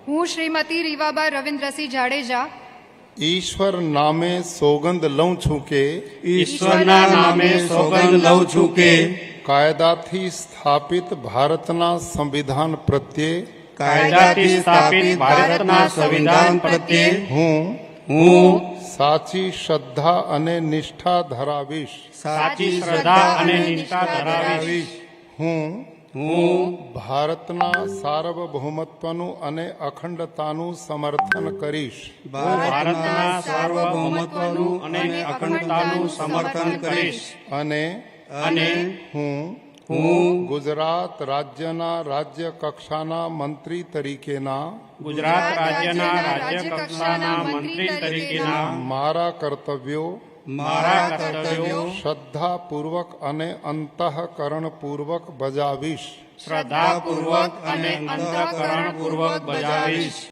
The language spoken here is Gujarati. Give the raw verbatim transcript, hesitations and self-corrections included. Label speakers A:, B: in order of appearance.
A: હું શ્રીમતી રીવાબા રવિન્દ્રસિંહ જાડેજા
B: ઈશ્વર નામે સોગંદ લઉં છું કે
C: ઈશ્વરના નામે સોગંદ લઉં છું કે
B: કાયદાથી સ્થાપિત ભારતના સંવિધાન પ્રત્યે
C: કાયદાથી સ્થાપિત ભારતના સંવિધાન પ્રત્યે
B: હું
C: હું
B: સાચી શ્રદ્ધા અને નિષ્ઠા ધરાવીશ.
C: સાચી શ્રદ્ધા અને નિષ્ઠા ધરાવીશ.
B: હું
C: હું
B: ભારતના સાર્વભૌમત્વનું અને અખંડતાનું સમર્થન કરીશ.
C: ભારતના સાર્વભૌમત્વનું અને અખંડતાનું સમર્થન કરીશ.
B: અને
C: અને
B: હું
C: હું
B: ગુજરાત રાજ્યના રાજ્ય કક્ષાના મંત્રી તરીકેના
C: ગુજરાત રાજ્યના રાજ્ય કક્ષાના મંત્રી તરીકેના
B: મારા કર્તવ્યો
C: મારા કર્તવ્યો
B: શ્રદ્ધાપૂર્વક અને અંતઃકરણપૂર્વક બજાવીશ.
C: શ્રદ્ધાપૂર્વક અને અંતઃકરણપૂર્વક બજાવીશ.